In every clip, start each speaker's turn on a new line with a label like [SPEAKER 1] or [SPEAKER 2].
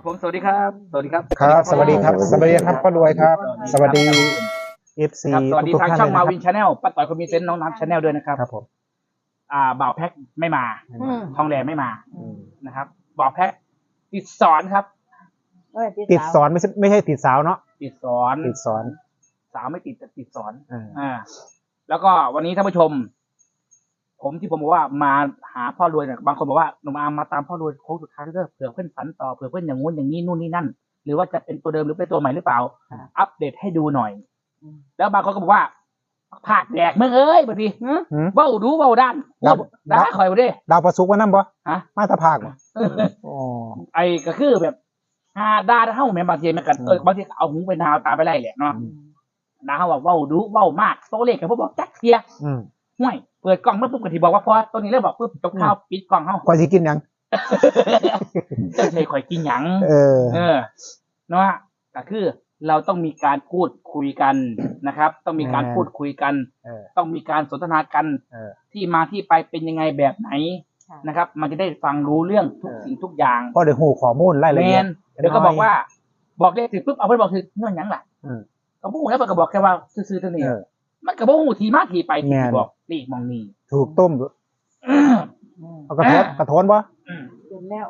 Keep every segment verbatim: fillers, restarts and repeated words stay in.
[SPEAKER 1] ผมสวัสดีครับสวัสดีครับ
[SPEAKER 2] ครับสวัสดีครับสวัสดีครับพ่อรวยครับสวัสดีเอฟซี
[SPEAKER 1] สวัสดี
[SPEAKER 2] ทุก
[SPEAKER 1] ทาง
[SPEAKER 2] ท่าน
[SPEAKER 1] ช่อง
[SPEAKER 2] เลย
[SPEAKER 1] มา
[SPEAKER 2] นะค
[SPEAKER 1] วิ
[SPEAKER 2] รับ
[SPEAKER 1] นชาแนลป้าต่อยคนมีเซนต์น้องน้ำชาแนลด้วยนะครับ
[SPEAKER 2] ครับผม
[SPEAKER 1] อ่าบ่าวแพ็คไม่มา
[SPEAKER 3] อืม
[SPEAKER 1] ทองแดงไม่มานะครับบ่าวแพ็คติดสอนครับ
[SPEAKER 3] เอ้ย
[SPEAKER 2] ติดสอนไม่ใช่ไม่ใช่ติดสาวเนาะ
[SPEAKER 1] ติดสอน
[SPEAKER 2] ติดสอน
[SPEAKER 1] สาวไม่ติดแต่ติดสอน
[SPEAKER 2] อ่า
[SPEAKER 1] อ่า แล้วก็วันนี้ท่านผู้ชม ผมที่ผมบอกว่ามาหาพ่อรวยเนี่ยบางคนบอกว่าหนุ่มอาร์มมาตามพ่อรวยโค้งสุดท้ายเด้อเผื่อเพื่อนฝันต่อเผื่อเพื่อนอย่างงู้นอย่างนี้นู่นนี่นั่น หรือว่าจะเป็นตัวเดิมหรือเป็นตัวใหม่หรือเปล่า อัปเดตให้ดูหน่อย แล้วบางคนก็บอกว่าผากแดกมึงเอ้ยบางที
[SPEAKER 2] หืม
[SPEAKER 1] เบ้าดูเบ้าด้าน
[SPEAKER 2] ครับ
[SPEAKER 1] ด่าคอยบ่ดิ
[SPEAKER 2] ดาวประสุกว่านั่นบ่
[SPEAKER 1] ฮะ
[SPEAKER 2] มาตาภาคบ่อ๋อ
[SPEAKER 1] ไอ้ก็คือแบบหาด่าเท่าแม่นบางทีมันกัน
[SPEAKER 2] อืม
[SPEAKER 1] เออบางทีเอาหูไปนาวตาไปไล่แหละเนาะด่าเขาบอกเบ้าดูเบ้ามากโตเลขกับพวกบอกจักเทีย
[SPEAKER 2] อืม
[SPEAKER 1] ห่วยเปิดกล้องเมื่อปุ๊บก็ที่บอกว่าพอตัวนี้เริ่มบอกปุ๊บจบข่าวปิดกล้องเฮา
[SPEAKER 2] ก่อนสิกินหยัง
[SPEAKER 1] เจ้าชายข่อยกินหยัง
[SPEAKER 2] เออ
[SPEAKER 1] เออเนาะก็คือเราต้องมีการพูดคุยกันนะครับ ต้องมีการ
[SPEAKER 2] เออ
[SPEAKER 1] พูดคุยกัน
[SPEAKER 2] เออ
[SPEAKER 1] ต้องมีการสนทนากัน
[SPEAKER 2] เออ
[SPEAKER 1] ที่มาที่ไปเป็นยังไงแบบไหน
[SPEAKER 3] ค่ะ
[SPEAKER 1] นะครับ มันจะได้ฟังรู้เรื่องทุก
[SPEAKER 2] เออ
[SPEAKER 1] สิ่งทุกอย่าง
[SPEAKER 2] พอได้หูข้อมูลราย
[SPEAKER 1] แม
[SPEAKER 2] ละเอียด
[SPEAKER 1] นเดี๋ยวก็บอกว่า บอกเลขถึงปุ๊บเอาไปบอกถึงเงื่อนหยังล่ะ
[SPEAKER 2] อืม
[SPEAKER 1] ก็พูดแล้วมันก็บอกแค่ว่าซื้อๆเท่านี้
[SPEAKER 2] เออ
[SPEAKER 1] มันก็บอกหูทีมาทีไปที่
[SPEAKER 2] แม่น
[SPEAKER 1] บอกนี่มองนี่
[SPEAKER 2] ถูกต้ม
[SPEAKER 3] อืม
[SPEAKER 2] เอากระโทนกระโทนบ่
[SPEAKER 1] อืม
[SPEAKER 3] เห็นแล้ว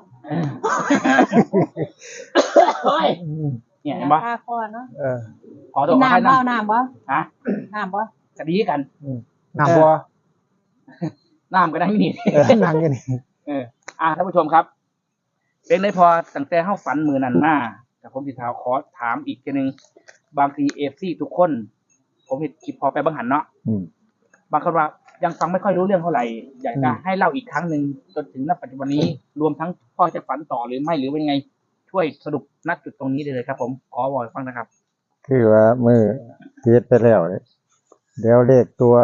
[SPEAKER 1] เฮ้ย
[SPEAKER 2] อืม
[SPEAKER 1] เนี่ยเห็นปะ
[SPEAKER 3] คาคอเนาะ
[SPEAKER 2] เออ
[SPEAKER 1] ขอตั
[SPEAKER 3] กิ
[SPEAKER 1] วน ขอให้
[SPEAKER 3] น้ำบ่
[SPEAKER 1] น้
[SPEAKER 3] น้ำบ่
[SPEAKER 1] ำฮะ
[SPEAKER 3] น้ำบ่
[SPEAKER 1] จะดีกัน
[SPEAKER 2] อืมน้ำบ่
[SPEAKER 1] น้ำก็ได้นี่
[SPEAKER 2] เออนั่งอยู่นี่
[SPEAKER 1] เออ อ่าท่านผู้ชมครับ เป็นได้พอตั้งแต่เข้าฝันมือนันมาแต่ผมสิถามขอถามอีกทีหนึงบางทีเอฟซีทุกคน ผมเห็นคลิปพอไปบางหันเนาะ
[SPEAKER 2] อืม
[SPEAKER 1] บางคนว่ายังฟังไม่ค่อยรู้เรื่องเท่าไหร่ อยากจะ
[SPEAKER 2] อืม
[SPEAKER 1] ให้เล่าอีกครั้งหนึ่งจนถึงณปัจจุบันนี้ รวมทั้งพ่อจะฝันต่อหรือไม่หรือเป็นยังไง ช่วยสรุปณจุดตรงนี้เลยครับ ผมขอบอกให้ฟังนะครับ
[SPEAKER 4] คือว่ามือเทียดไปแล้วเนี่ยเดี๋ยวเลขตัว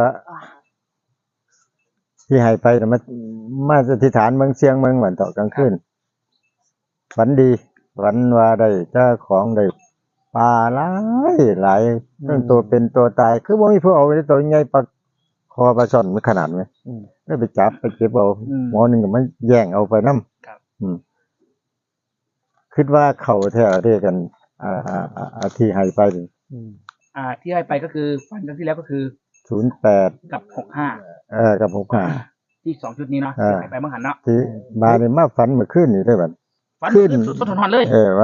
[SPEAKER 4] ที่ให้ไปน่ะมันมาสถิษฐานเมืองเชียงเมืองเหมือนต่อกลางคืนฝันดีฝันว่าได้เจ้าของได้ปลาหลายหลายตั้งตัวเป็นตัวตาย คือว่ามีผู้เอาไว้ตัวใหญ่ปลาคอปลาช่อนมันขนาดไหม
[SPEAKER 2] อืม
[SPEAKER 4] ได้ไปจับไปเก็บเอา
[SPEAKER 1] อืม
[SPEAKER 4] หมอหนึ่งก็มันแย่งเอาไปน้
[SPEAKER 1] ครับ
[SPEAKER 4] ำอืมคิดว่าเขาแท้เรียกกัน อ่าอ่าอ่าอ่าที่ให้ไป
[SPEAKER 2] อืม
[SPEAKER 1] อ่า ที่ให้ไปก็คือฝันครั้งที่แล้วก็คือ
[SPEAKER 4] ศูนย์แปด
[SPEAKER 1] กับหกห้า
[SPEAKER 4] เออกับหกห้า
[SPEAKER 1] ที่สองชุดนี้เนาะ
[SPEAKER 4] อ่า
[SPEAKER 1] ที่ให้ไปเมื่อหันเนาะ
[SPEAKER 4] ที่มาในมาฝันเมื่อคืนนี่ได้บัด
[SPEAKER 1] ฝัน
[SPEAKER 4] ขึ้น
[SPEAKER 1] ขึ้นสุดทนเลย
[SPEAKER 4] เออว่า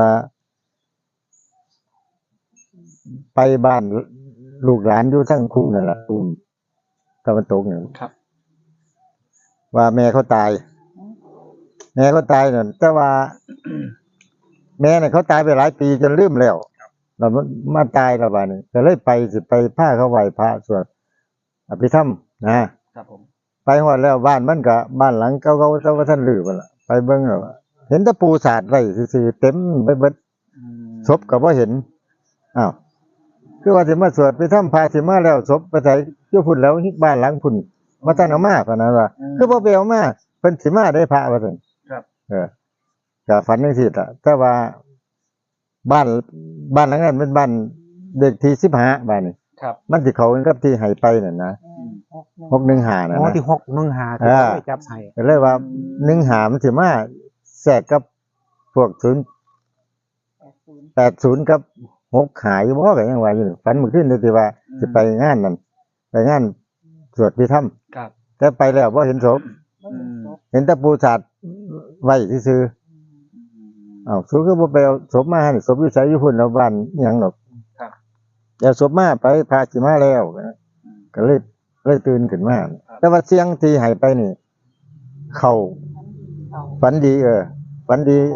[SPEAKER 4] ไปบ้านลูกหลานอยู่ทั้งคู่นั่นแหละปุ่มตะวันตกเนี่ย
[SPEAKER 1] ครับ
[SPEAKER 4] ว่าแม่เขาตาย แม่เขาตายนั่นแต่ว่า แม่เนี่ยเขาตายไปหลายปีจนลืมแล้วเรามาตายและบาดนี้ก็เลยไปสิไปผ้าเขาไหวพระสวดอภิธรรมนะครับ
[SPEAKER 1] ผม
[SPEAKER 4] ไปหอดแล้วบ้านมันก็บ้านหลังเก่าๆเจ้าว่าท่านลือไปละไปเบิ่งแล้วเห็นแตะปูสาดไว้ซื่อๆเต็มไปเบิด
[SPEAKER 1] อืม
[SPEAKER 4] ศพก็บ่เห็น อ้าว คือว่าสิมาสวดไปทำพาสิมาแล้วศพไปใส่อยู่พุ่นแล้วบ้านหลังพุ่นมาท่านเอามาพะนั้นว่า คือบ่ไปเอามาเพิ่นสิมาได้พระว่าซั่น
[SPEAKER 1] ครับ
[SPEAKER 4] เออก็ฝันจังซี่ล่ะแต่ว่าบ้านบ้านหลังนั้นเป็นบ้านเด็กที่สิบห้าบ้านนี้
[SPEAKER 1] ครับ
[SPEAKER 4] มันสิเข้ากันกับที่ให้ไปนั่นนะ
[SPEAKER 3] อืมหกหนึ่ง
[SPEAKER 4] หกหนึ่งห้านั่น
[SPEAKER 2] อ๋อ
[SPEAKER 4] นะ
[SPEAKER 2] ที่หกหนึ่งหาที่
[SPEAKER 4] อ่า
[SPEAKER 2] เขาไปจับใส่
[SPEAKER 4] ก็เลยว่าหนึ่งห้ามันสิมาแทรกกับพวกศูนย์
[SPEAKER 3] แปดศูนย์
[SPEAKER 4] แปดศูนย์กับหกหายบ่ก็ยังว่าอยู่ฝันเมื่อคืนนี่สิว่าสิไปงานนั่นไปงานสวดพิธรรม
[SPEAKER 1] ครับ
[SPEAKER 4] แต่ไปแล้วบ่เห็นศพ
[SPEAKER 3] บ่เห็นศพ
[SPEAKER 4] เห็นแต่ปูสาดไว้ซื่อๆอ้าวสู้ก็บ่ไปเอาศพมานี่ศพอยู่ไสอยู่พุ่นแล้วบ้านอิหยังดอก
[SPEAKER 1] ครับ
[SPEAKER 4] เอาศพมาไปพาสิมาแล้วก็เลยเลยตื่นขึ้นมาแต่ว่าเสียงที่ให้ไปนี่ เข้า
[SPEAKER 3] เขา
[SPEAKER 4] ฝันดีเออฝันดี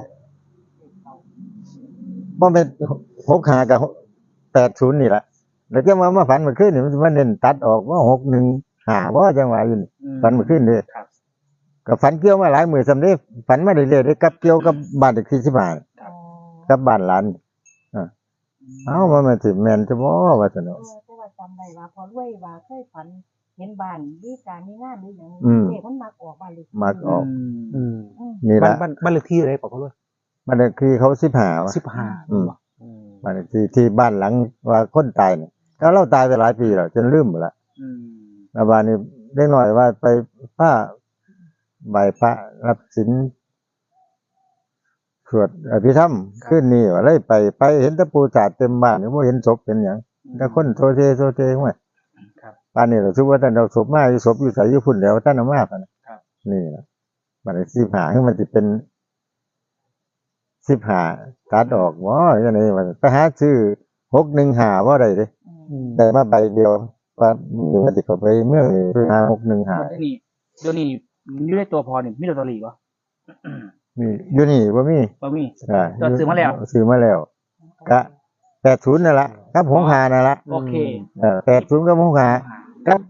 [SPEAKER 4] บ่แม่นหกห้ากับแปดศูนย์นี่ล่ะแล้วจะมามาฝันเมื่อคืนนี่มันมันเน้นตัดออกว่าหกหนึ่งห้าบ่จังหวะอยู่นี่ฝันเมื่อคืนนี่
[SPEAKER 1] ครับ
[SPEAKER 4] ก็ฝันเกี่ยวมาหลายมื้อสำเร็จฝันมาเรื่อยๆได้กับเกี่ยวกับบ้านเด็กที่สิบห้า
[SPEAKER 1] ครับ
[SPEAKER 4] กับบ้านหลานอ่าเอ้ามันมาสิแม่นจะบ่ว่าซั่น
[SPEAKER 3] เอ
[SPEAKER 4] เนาะ
[SPEAKER 3] อแต่ว่าจำได้ว่าพอรวยว่าเคยฝันเห็นบ้านมีการมีงานหรือหยัง
[SPEAKER 4] อืม
[SPEAKER 3] เด็กมันมักออกบ้านเลย
[SPEAKER 4] มักออก
[SPEAKER 2] อืม
[SPEAKER 3] อืม
[SPEAKER 4] นี่
[SPEAKER 2] บ้าน
[SPEAKER 4] ล่ะ
[SPEAKER 2] บ้านบ้านเลขที่อะไรบอกเขาด้วย
[SPEAKER 4] บ้านเลขที่เขาสิบห้า
[SPEAKER 2] สิบห้า
[SPEAKER 4] อืมบ้านเลขที่ที่บ้านหลังว่าคนตายเนี่ยแล้วเราตายไปหลายปีแล้วจนลืมหมดละ
[SPEAKER 1] อืม
[SPEAKER 4] แล้วบ้านนี้เล็กน้อยว่าไปผ้าใบพระรับศีลสวดอภิธรรมขึ้นนี่ว่าเลยไปไปเห็นแตะปูจาดเต็มบ้านนี่บ่เห็นศพเป็นหยังแต่คนโซเซโซเซห้วย
[SPEAKER 1] ครับ
[SPEAKER 4] ป่านนี้เราคิดว่าท่านเอาศพมาอยู่ศพอยู่ไสอยู่พุ่นแล้วท่านเอามาคั่นน่ะ
[SPEAKER 1] ครับ
[SPEAKER 4] นี่ล่ะบัดนี้สิบห้าคือมันสิเป็นสิบห้าตัดออกบ่จังได๋ว่าไปหาซื้อหกหนึ่งห้าบ่ได้เด้
[SPEAKER 2] อืม
[SPEAKER 4] ได้มาใบเดียวว่ามีว่าสิเข้าไปเมืองนี่ไปหาหกหนึ่งห้า
[SPEAKER 1] เดี๋ยวนี้เดี๋ยวนี้อยู่ในตัวพอนี่มีลอตเตอรี่บ่
[SPEAKER 4] มีอยู่นี่บ่มี
[SPEAKER 1] บ่มี
[SPEAKER 4] อ่า
[SPEAKER 1] ก็ซื้อมาแล้ว
[SPEAKER 4] ซื้อมาแล้วก็แปดสิบนั่นล่ะกับหกห้านั่นล่ะ
[SPEAKER 1] โอเค
[SPEAKER 4] เออแปดสิบกับหกห้ากับ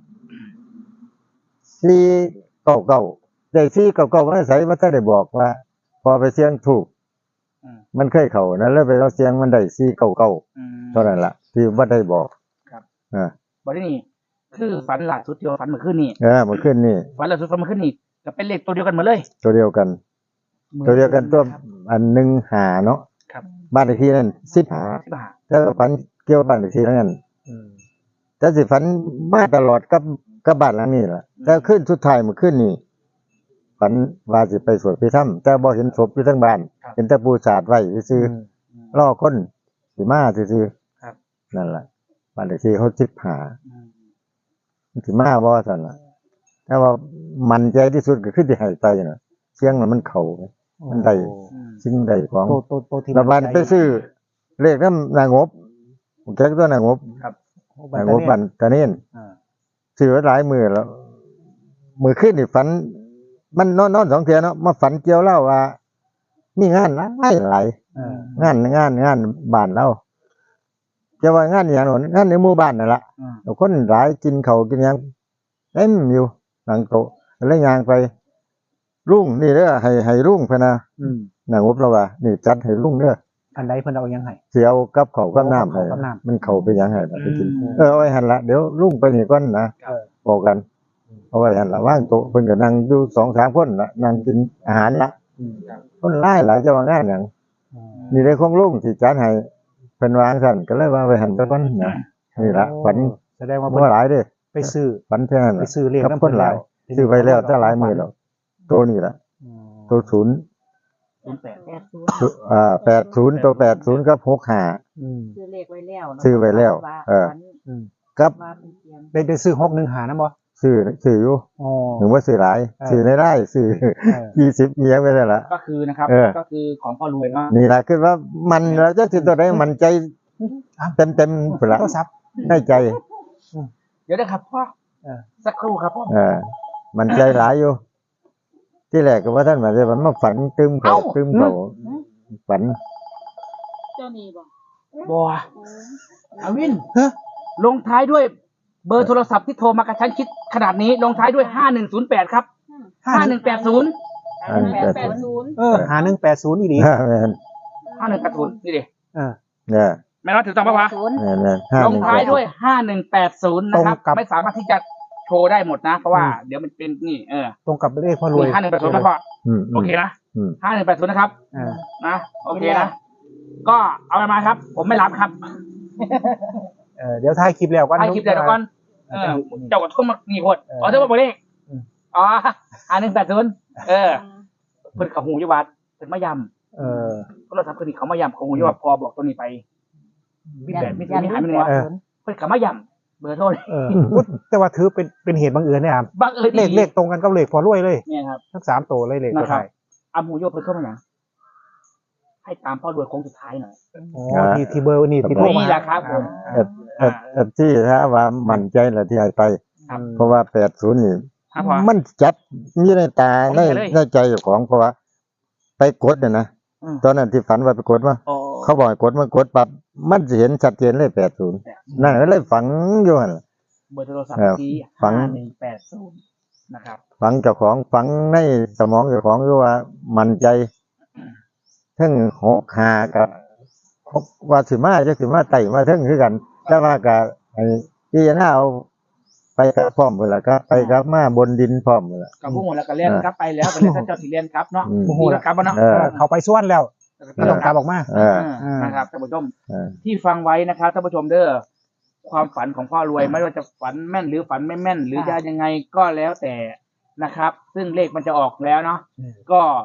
[SPEAKER 4] สี่เก้าเก้าได้สี่เก้าเก้ามันใส่ว่าถ้าได้บอกว่า พอไปเสี่ยงถูก
[SPEAKER 1] อืม
[SPEAKER 4] มันเคยเข้านั้นแล้วไปเอาเสียงมันได้สี่เก้าเก้า
[SPEAKER 1] อืม
[SPEAKER 4] เท่านั้นล่ะที่บ่ได้บอก
[SPEAKER 1] ครับ
[SPEAKER 4] อ่า
[SPEAKER 1] บ่ได้นี่คือฝันล่าสุดที่ว่าฝันเมื่อคืนนี้
[SPEAKER 4] เออเมื่อคืนนี่
[SPEAKER 1] ฝันล่าสุดฝันเมื่อคืนนี้ก็เป็นเลขตัวเดียวกันหมดเลย
[SPEAKER 4] ตัวเดียวกัน ตัวเดียวกันตัว
[SPEAKER 1] ครับ
[SPEAKER 4] อันหนึ่งหาเนาะ
[SPEAKER 1] ครับ
[SPEAKER 4] บ้านเลขที่นั่นสิบหา
[SPEAKER 1] สิบห้า
[SPEAKER 4] แล้วก็ฝันเกี่ยวกับบ้านเลขที่นั่น
[SPEAKER 2] อืม
[SPEAKER 4] แต่สิฝันมาตลอดกับกับบ้านหลังนี้ล่ะแต่ขึ้นสุดท้ายเมื่อคืนนี่ฝันว่าสิไปสวดพิธรรมแต่บ่เห็นศพอยู่ทั้งบ้านเห็นแต่ปูสาดไว้ซื่อๆรอคนสิมาซื่อ
[SPEAKER 1] ครับ
[SPEAKER 4] ๆนั่นล่ะบ้านเลขที่เขาสิบหา
[SPEAKER 1] อืม
[SPEAKER 4] สิมาบ่ซั่นล่ะแต่ว่ามันใจที่สุดก็คือที่ให้ไปน่ะเสียงน่ะมันเข้า มันได้
[SPEAKER 1] อืม
[SPEAKER 4] สิ่งใดของ
[SPEAKER 2] ตัวตัวตัวที่
[SPEAKER 4] ระบานไปซื้อเลขนำนางบผมแจ็คตัวนางบ
[SPEAKER 1] ครับ
[SPEAKER 2] บัต
[SPEAKER 4] นาร งบ
[SPEAKER 2] เตอร์
[SPEAKER 4] บันตะเน่น
[SPEAKER 2] อ่า
[SPEAKER 4] ซื้อไว้หลายมื้อแล้วมื้อคืนนี่ฝัน มันนอนนอนสองเทื่อเนาะมาฝันเกี่ยวเล่าว่า มีงานหลายหลาย
[SPEAKER 2] อ่า
[SPEAKER 4] งานงานงานบ้านเราจะว่างานอหย่างนั้นงานในหมู่บ้านนั่นล่ะ
[SPEAKER 1] อืม
[SPEAKER 4] แล้วคนหลายกินข้าวกินหยังเต็มอยู่หลังโต๊ะแล้วย่างไปรุ่งนี่เด้อให้ให้รุ่งพะนะ
[SPEAKER 2] อืม
[SPEAKER 4] นางบเราว่านี่จัดให้รุ่งเด้อ
[SPEAKER 2] อันใดเพิ่นเอายังไง
[SPEAKER 4] เสียวกับเขาวกับน้ำ
[SPEAKER 2] เอากับน้ำ
[SPEAKER 4] มันเขาไปหยังไงไปกิน
[SPEAKER 2] อืม
[SPEAKER 4] เออเอาไว้หันละเดี๋ยวรุ่งไปนี่ก่อนนะ
[SPEAKER 2] เออ
[SPEAKER 4] บอกกันเอาไว้หันละว่างโต๊ะเพิ่นก็นั่งอยู่สองสามคนละนั่งกินอาหารละ
[SPEAKER 2] อืม
[SPEAKER 4] คนหลายหลายจะว่างานหยัง
[SPEAKER 2] อืม
[SPEAKER 4] นี่ได้ของลุงที่จัดให้เพิ่นวางสั่นก็เลยว่าไว้หันไปก่อนนะนี่ละฝัน
[SPEAKER 2] แสดงว่าเพิ่น
[SPEAKER 4] บ่หลายเด้
[SPEAKER 2] ไปซื้อ
[SPEAKER 4] ฝันแค่นั้น
[SPEAKER 2] ไป
[SPEAKER 4] ล่ะ
[SPEAKER 2] ซื้อเลข
[SPEAKER 4] กับ
[SPEAKER 2] น้ำ
[SPEAKER 4] คนหลาย ซื้อไปแล้วแต่หลายมื้อแล้วตัวนี้ละ
[SPEAKER 2] อืม
[SPEAKER 4] ตัวศูนย์
[SPEAKER 1] ศูนย์แปด
[SPEAKER 3] แปดศูนย์
[SPEAKER 4] อ่าแปดศูนย์ตัวแปดศูนย์กับหกห้า
[SPEAKER 2] อืม
[SPEAKER 3] ซื้อเลขไว้แล้วเนาะ
[SPEAKER 4] ซื้อไว้แล้ว
[SPEAKER 3] า
[SPEAKER 4] เออ
[SPEAKER 3] ฝัน
[SPEAKER 2] อืม
[SPEAKER 4] กับ
[SPEAKER 3] ว่าเป็นเตรียม
[SPEAKER 2] ได้ได้ซื้อหกหนึ่งหานะบ่
[SPEAKER 4] ซื้อซื้ออยู่
[SPEAKER 2] อ๋อ
[SPEAKER 4] ถึงว่าซื้อหลาย
[SPEAKER 2] เออ
[SPEAKER 4] ซื้อได้ได้ซื้อ
[SPEAKER 2] เออ
[SPEAKER 4] ยี่สิบเมียไปได้ละ
[SPEAKER 1] ก็คือนะครับ
[SPEAKER 4] เออ
[SPEAKER 1] ก็คือของพ่อรวยเนาะ
[SPEAKER 4] นี่แหละคือว่ามันแล้วจะถึงตัวใดมันใจเต็มเต็มๆพุ่นละ
[SPEAKER 2] โทรศัพท์
[SPEAKER 4] ได้ใจ
[SPEAKER 1] เดี๋ยวนะครับพ่อ
[SPEAKER 2] เออ
[SPEAKER 1] สักครู่ครับพ่อ
[SPEAKER 4] เออมันใจหลายอยู่ ที่แรกก็ว่าท่านมาจะมันมาฝันตึมเขาตึมเขาฝัน
[SPEAKER 3] เจ้านี่บ่
[SPEAKER 1] บัวอาวิน
[SPEAKER 2] ฮะ
[SPEAKER 1] ลงท้ายด้วยเบอร์โทรศัพท์ที่โทรมากระชั้นชิดขนาดนี้ ลงท้ายด้วยห้าหนึ่งศูนย์แปดครับห้าหนึ่งแปดศูนย์
[SPEAKER 4] อัน
[SPEAKER 3] แป
[SPEAKER 4] แป
[SPEAKER 3] ด
[SPEAKER 4] ด
[SPEAKER 3] แปดศูนย์
[SPEAKER 2] เออหาหนึ่งแปดศูนย์อีหลี
[SPEAKER 4] แม่น
[SPEAKER 1] ห้าหนึ่งแปดศูนย์นี่ดิ
[SPEAKER 2] เออ
[SPEAKER 4] เนี่ย
[SPEAKER 1] แม่น้อยถือต้องปะวะ
[SPEAKER 3] ศูนย์
[SPEAKER 4] แม่นแม่นห้า
[SPEAKER 1] ล
[SPEAKER 4] ห
[SPEAKER 1] ง
[SPEAKER 4] นึ่ง
[SPEAKER 1] ท้าย
[SPEAKER 4] แปด
[SPEAKER 1] ด้วยห้าหนึ่งแปดศูนย์นะครับ
[SPEAKER 2] ตรงกับ
[SPEAKER 1] ไม่สามารถที่จะโชว์ได้หมดนะ เพราะว่าเดี๋ยวมันเป็นนี่เออ
[SPEAKER 2] ตรงกับเลขพ่อรวย
[SPEAKER 1] ห้าหนึ่งแปดศูนย์นะพ่อ
[SPEAKER 4] อืม
[SPEAKER 1] โอเคนะ
[SPEAKER 4] อืม
[SPEAKER 1] ห้าหนึ่งแปดศูนย์นะครับ
[SPEAKER 2] เออ
[SPEAKER 1] นะโอเคนะก็เอามาครับ ผมไม่รับครับ
[SPEAKER 2] เออเดี๋ยวถ่ายคลิปแล้วกัน
[SPEAKER 1] ให้คลิปเดี๋ยวก่อนเออเจ้าก็ทุ่มมากี่คนอ๋อเจ้าบอกเลข
[SPEAKER 2] อืม
[SPEAKER 1] อ๋อห้าหนึ่งแปดศูนย์เออเพิ่นเขาหูยวัดเพิ่นมายำ
[SPEAKER 2] เออ
[SPEAKER 1] ก็เราทำคืนนี้เขามายำเขาหูยวัดพอบอกตัวนี้ไปมีแปดมีศูนย์มีหายมีหนึ่งวะ
[SPEAKER 2] เออ
[SPEAKER 1] เพิ่นเขามายำเบอร์โทรนี่
[SPEAKER 2] เอออุ๊ยแต่ว่าถือเป็นเป็นเหตุบังเอิญเนี่ยครับ
[SPEAKER 1] บังเอิญ
[SPEAKER 2] เลขเลขตรงกันกับเลขพอรวยเลย
[SPEAKER 1] เนี่ยครับ
[SPEAKER 2] ทั้งสามตัวเลยเลขตัว
[SPEAKER 1] นะครับ
[SPEAKER 2] ไทย
[SPEAKER 1] อามูโยเพิ่นเข้ามาอย่างให้ตามพ่อรวยโค้งสุดท้ายหน่อย
[SPEAKER 2] อ๋อที่ที่เบอร์นี่ที่โทรมา
[SPEAKER 1] นี่แหละครับผม
[SPEAKER 4] เอ็ดเอ็ดเอ็ดที่ถ้าว่ามันใจละที่ให้ไป
[SPEAKER 1] ครับ
[SPEAKER 4] เพราะว่าแปดศูนย์นี่
[SPEAKER 1] ครับพ่อ
[SPEAKER 4] มันจับอยู่ในตา
[SPEAKER 1] ผม
[SPEAKER 4] ใน
[SPEAKER 1] เห็นเลย
[SPEAKER 4] ในใจเจ้าของเพราะว่า ไปกดเนี่ยนะ
[SPEAKER 1] อืม
[SPEAKER 4] ตอนนั้นที่ฝันว่าไปกดว่า
[SPEAKER 1] โอ้
[SPEAKER 4] เขาบอกให้กดมันกดปั๊บมันจะเห็นชัดเจนเลยแปดศูนย์นั่นก็เลยฝังอยู่หั่นล่ะ
[SPEAKER 1] เบอร์โทรศัพท์
[SPEAKER 4] เออ
[SPEAKER 1] ที่
[SPEAKER 4] ฝัง
[SPEAKER 1] ห้าหนึ่งแปดศูนย์นะครับ
[SPEAKER 4] ฝังเจ้าของฝังในสมองเจ้าของอยู่ว่ามันใจทั้งหกหากับหกว่าสิมาจะสิมาไต่มาทั้งคือกัน แต่ว่าก็ไอ้ที่จะน่าเอาไปกับพร้อมหมดละก็ไปกับมาบนดินพร้อมหมดละ
[SPEAKER 1] กับพวกหมดแล้วก็เรียนครับไปแล้วไปเรียนท่านเจ้าสิเรียนครับเนาะ
[SPEAKER 4] อืม
[SPEAKER 1] มีแล้วครับบ่เนาะ
[SPEAKER 4] เออ
[SPEAKER 2] เขาไปส่วนแล้ว
[SPEAKER 1] ก็
[SPEAKER 2] ไม่ต้องกลับออกมา
[SPEAKER 4] เออ
[SPEAKER 1] เออนะครับท่านผู้ชม
[SPEAKER 4] เออ
[SPEAKER 1] ที่ฟังไว้นะครับท่านผู้ชมเด้อความฝันของพ่อรวยไม่ว่าจะฝันแม่นหรือฝันไม่แม่น หรือจะยังไงก็แล้วแต่นะครับ ซึ่งเลขมันจะออกแล้วเนาะ
[SPEAKER 2] อืม
[SPEAKER 1] ก็